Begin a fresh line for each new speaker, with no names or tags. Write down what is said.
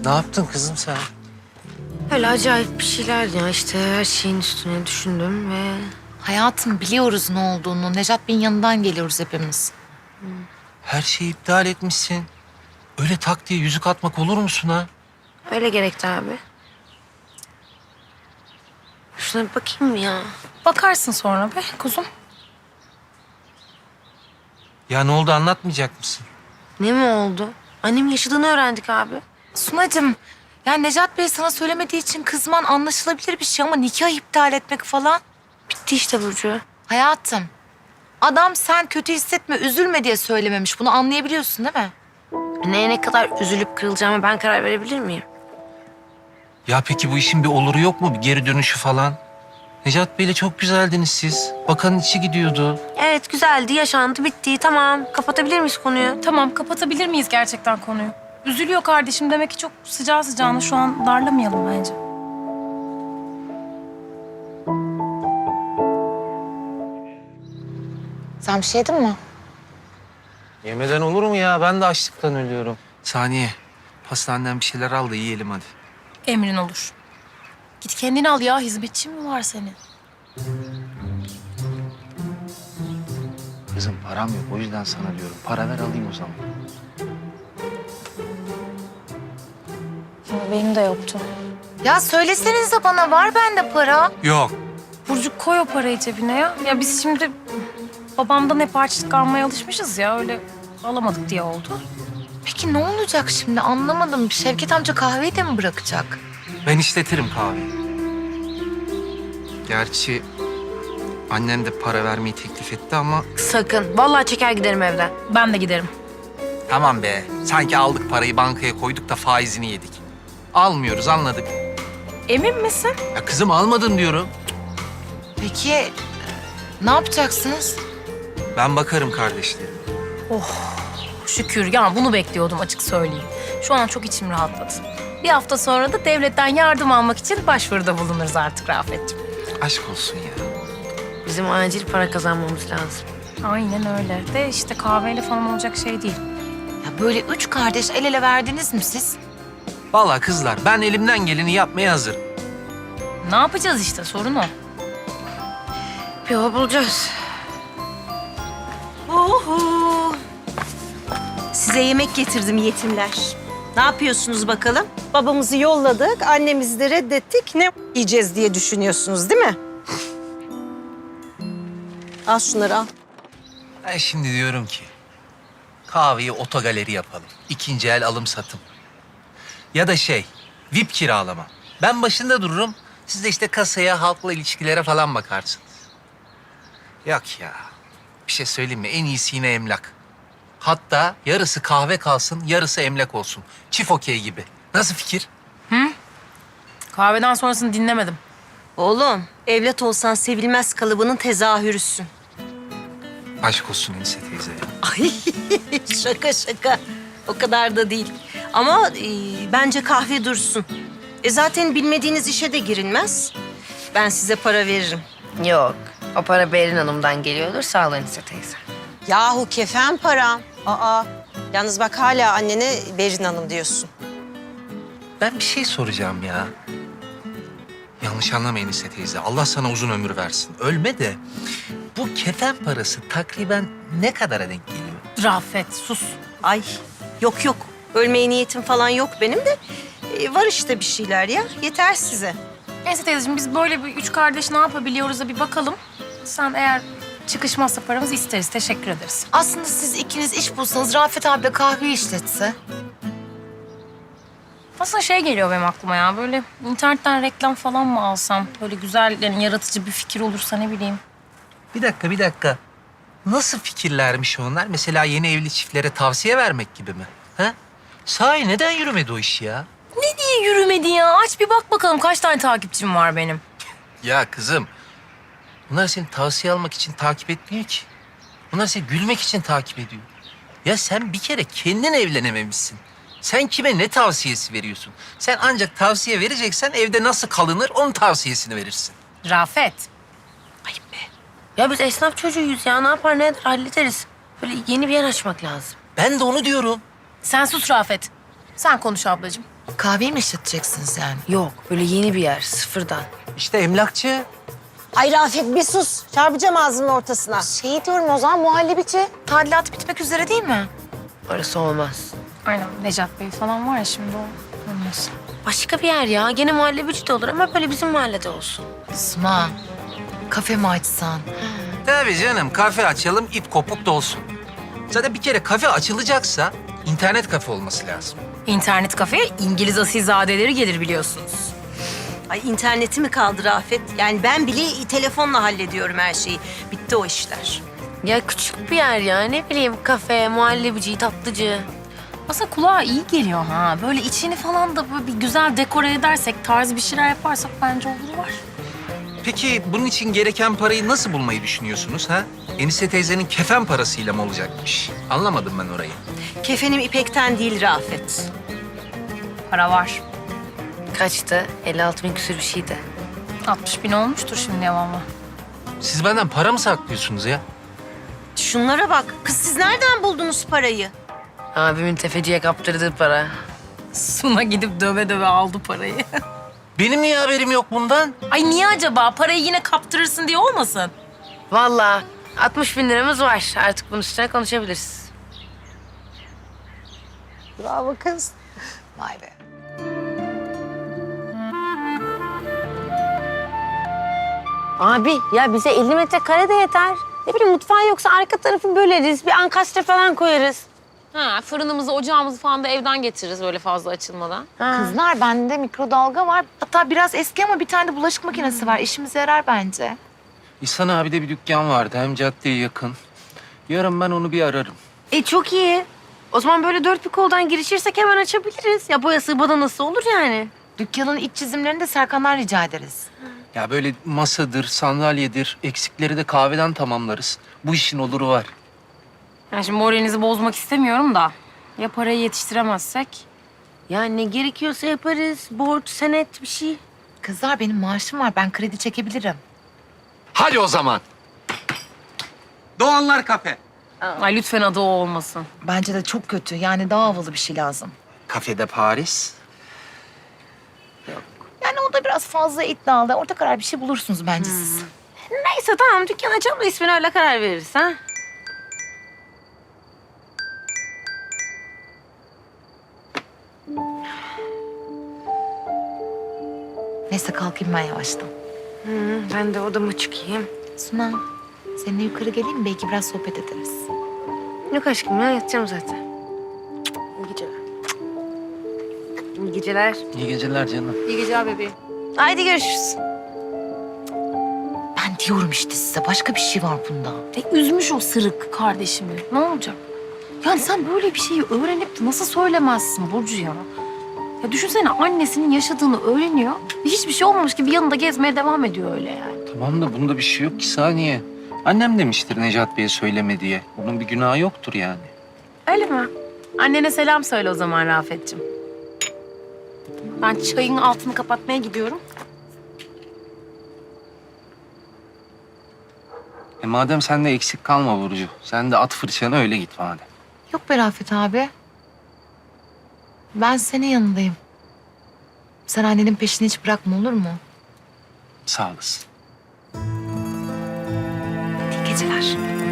Ne yaptın kızım sen?
Öyle acayip bir şeyler ya işte her şeyin üstüne düşündüm ve...
Hayatım biliyoruz ne olduğunu. Nejat Bey'in yanından geliyoruz hepimiz.
Her şeyi iptal etmişsin. Öyle tak diye yüzük atmak olur musun ha?
Öyle gerekti abi. Şuna bir bakayım mı ya?
Bakarsın sonra be kuzum.
Ya ne oldu anlatmayacak mısın?
Ne mi oldu? Annemin yaşadığını öğrendik abi.
Sunacığım, ya Nejat Bey sana söylemediği için kızman anlaşılabilir bir şey ama nikah iptal etmek falan.
Bitti işte Burcu.
Hayatım, adam sen kötü hissetme, üzülme diye söylememiş. Bunu anlayabiliyorsun değil mi?
Neye ne kadar üzülüp kırılacağıma ben karar verebilir miyim?
Ya peki bu işin bir oluru yok mu? Bir geri dönüşü falan? Necat Bey'le çok güzeldiniz siz. Bakanın içi gidiyordu.
Evet güzeldi, yaşandı, bitti. Tamam, kapatabilir miyiz konuyu?
Tamam, kapatabilir miyiz gerçekten konuyu? Üzülüyor kardeşim, demek ki çok sıcağı sıcağına şu an darlamayalım bence.
Sen bir şey yedin mi?
Yemeden olur mu ya? Ben de açlıktan ölüyorum. Saniye, pastaneden bir şeyler al da yiyelim hadi.
Emrin olur. Git kendini al ya, hizmetçin mi var senin?
Kızım param yok o yüzden sana diyorum. Para ver alayım o zaman.
Benim de yoktu.
Ya söylesenize bana, var bende para.
Yok.
Burcu koy o parayı cebine ya. Ya biz şimdi babamdan hep harçlık almaya alışmışız ya, öyle alamadık diye oldu.
Peki ne olacak şimdi anlamadım. Şevket amca kahveyi de mi bırakacak?
Ben işletirim kahveyi. Gerçi annen de para vermeyi teklif etti ama...
Sakın. Vallahi çeker giderim evden.
Ben de giderim.
Tamam be. Sanki aldık parayı bankaya koyduk da faizini yedik. Almıyoruz anladık.
Emin misin?
Ya kızım almadın diyorum.
Peki ne yapacaksınız?
Ben bakarım kardeşlerim.
Şükür ya, bunu bekliyordum açık söyleyeyim. Şu an çok içim rahatladı. Bir hafta sonra da devletten yardım almak için başvuruda bulunuruz artık Rafet'ciğim.
Aşk olsun ya.
Bizim acil para kazanmamız lazım.
Aynen öyle. De işte kahveyle falan olacak şey değil.
Ya böyle üç kardeş el ele verdiniz mi siz?
Vallahi kızlar ben elimden geleni yapmaya hazırım.
Ne yapacağız işte, sorun o.
Bir yol bulacağız.
Oho! Size yemek getirdim yetimler. Ne yapıyorsunuz bakalım? Babamızı yolladık, annemizi de reddettik. Ne yiyeceğiz diye düşünüyorsunuz değil mi? Al şunları al.
Ben şimdi diyorum ki kahveyi otogaleri yapalım. İkinci el alım satım. Ya da VIP kiralama. Ben başında dururum. Siz de işte kasaya, halkla ilişkilere falan bakarsınız. Yok ya. Bir şey söyleyeyim mi? En iyisi yine emlak. Hatta yarısı kahve kalsın, yarısı emlak olsun. Çift okey gibi. Nasıl fikir?
Kahveden sonrasını dinlemedim.
Oğlum, evlat olsan sevilmez kalıbının tezahürüsün.
Aşk olsun Enise teyze ya.
Ay şaka şaka. O kadar da değil. Ama bence kahve dursun. Zaten bilmediğiniz işe de girilmez. Ben size para veririm.
Yok. O para Berin Hanım'dan geliyordur. Sağ olun Enise teyze.
Yahu kefen param. Aa, yalnız bak hala annene Berin Hanım diyorsun.
Ben bir şey soracağım ya. Yanlış anlama Enise teyze. Allah sana uzun ömür versin. Ölme de bu kefen parası takriben ne kadara denk geliyor?
Rafet, sus.
Ay yok yok. Ölmeye niyetim falan yok benim de. Var işte bir şeyler ya. Yeter size.
Neyse teyzeciğim, biz böyle bir üç kardeş ne yapabiliyoruz da bir bakalım. Sen eğer çıkışmazsa paramızı isteriz, teşekkür ederiz.
Aslında siz ikiniz iş bulsanız Rafet abi de kahve işletse.
Aslında şey geliyor benim aklıma ya, böyle internetten reklam falan mı alsam? Böyle güzel, yani yaratıcı bir fikir olursa ne bileyim.
Bir dakika. Nasıl fikirlermiş onlar? Mesela yeni evli çiftlere tavsiye vermek gibi mi? Ha? Sahi neden yürümedi o iş ya?
Niye yürümedi ya? Aç bir bak bakalım kaç tane takipçim var benim.
Ya kızım, bunlar seni tavsiye almak için takip etmiyor ki. Bunlar seni gülmek için takip ediyor. Ya sen bir kere kendin evlenememişsin. Sen kime ne tavsiyesi veriyorsun? Sen ancak tavsiye vereceksen evde nasıl kalınır onun tavsiyesini verirsin.
Rafet.
Ayıp be. Ya biz esnaf çocuğuyuz ya. Ne yapar ne eder hallederiz. Böyle yeni bir yer açmak lazım.
Ben de onu diyorum.
Sen sus Rafet. Sen konuş ablacığım.
Kahveyi mi işleteceksin sen?
Yok böyle yeni bir yer sıfırdan.
İşte emlakçı.
Ay Rafet bir sus. Çarpacağım ağzının ortasına.
Şey diyorum o zaman muhallebici. Tadilat bitmek üzere değil mi?
Orası olmaz.
Aynen Necat Bey falan var ya şimdi o. Olmaz.
Başka bir yer ya. Gene muhallebici de olur ama böyle bizim mahallede olsun.
Suna, kafe mi açsan?
Tabii canım, kafe açalım, ip kopuk da olsun. Zaten bir kere kafe açılacaksa internet kafe olması lazım.
İnternet kafeye İngiliz asilzadeleri gelir biliyorsunuz.
Ay interneti mi kaldı Rafet? Yani ben bile telefonla hallediyorum her şeyi. Bitti o işler.
Ya küçük bir yer ya. Ne bileyim kafe, muhallebici, tatlıcı.
Aslında kulağa iyi geliyor ha. Böyle içini falan da böyle bir güzel dekore edersek, tarz bir şeyler yaparsak bence olur var.
Peki bunun için gereken parayı nasıl bulmayı düşünüyorsunuz ha? Enise teyzenin kefen parasıyla mı olacakmış? Anlamadım ben orayı.
Kefenim ipekten değil Rafet.
Para var.
Kaçtı? 56 bin küsür bir şeydi.
60 bin olmuştur şimdi ama.
Siz benden para mı saklıyorsunuz ya?
Şunlara bak. Kız siz nereden buldunuz parayı?
Abimin tefeciye kaptırdığı para.
Suna gidip döve döve aldı parayı.
Benim niye haberim yok bundan?
Ay niye acaba? Parayı yine kaptırırsın diye olmasın?
Vallahi 60 bin liramız var. Artık bunun üstüne konuşabiliriz.
Bravo kız.
Vay be.
Abi ya bize 50 metrekare de yeter. Ne bileyim mutfağın yoksa arka tarafı böleriz. Bir ankastre falan koyarız.
Ha, fırınımızı, ocağımızı falan da evden getiririz böyle fazla açılmadan.
Kızlar bende mikrodalga var. Hatta biraz eski ama bir tane de bulaşık makinesi var. İşimize yarar bence.
İhsan abi de bir dükkan vardı, hem caddeye yakın. Yarın ben onu bir ararım.
Çok iyi. O zaman böyle dört bir koldan girişirsek hemen açabiliriz. Ya boyası badanası olur yani.
Dükkanın iç çizimlerini de Serkan'dan rica ederiz.
Ya böyle masadır, sandalyedir, eksikleri de kahveden tamamlarız. Bu işin oluru var.
Yani şimdi moralinizi bozmak istemiyorum da. Ya parayı yetiştiremezsek?
Ya ne gerekiyorsa yaparız. Borç, senet bir şey.
Kızlar benim maaşım var. Ben kredi çekebilirim.
Hadi o zaman. Doğanlar Kafe.
Ay lütfen adı o olmasın.
Bence de çok kötü. Yani daha havalı bir şey lazım.
Kafede Paris.
Yani o da biraz fazla iddialı. Orta karar bir şey bulursunuz bence siz.
Neyse tamam dükkan açalım da ismini öyle karar veririz ha.
Neyse kalkayım ben yavaştan.
Ben de odama çıkayım.
Suna, seninle yukarı geleyim mi? Belki biraz sohbet ederiz.
Yok aşkım ya yatacağım zaten. İyi geceler. İyi geceler.
İyi geceler canım.
İyi geceler bebeğim.
Haydi görüşürüz.
Ben diyorum işte size başka bir şey var bunda.
Üzmüş o sırık kardeşimi. Ne olacak? Yani sen böyle bir şeyi öğrenip de nasıl söylemezsin Burcu ya? Ya düşünsene annesinin yaşadığını öğreniyor ve hiçbir şey olmamış gibi yanında gezmeye devam ediyor öyle yani.
Tamam da bunda bir şey yok ki, saniye. Annem demiştir Necat Bey'e söyleme diye. Onun bir günahı yoktur yani.
Öyle mi? Annene selam söyle o zaman Rafet'ciğim. Ben çayın altını kapatmaya gidiyorum.
Madem sen de eksik kalma Burcu. Sen de at fırçanı öyle git madem.
Yok be Rafet abi. Ben senin yanındayım. Sen annenin peşini hiç bırakma olur mu?
Sağ olasın.
İyi geceler.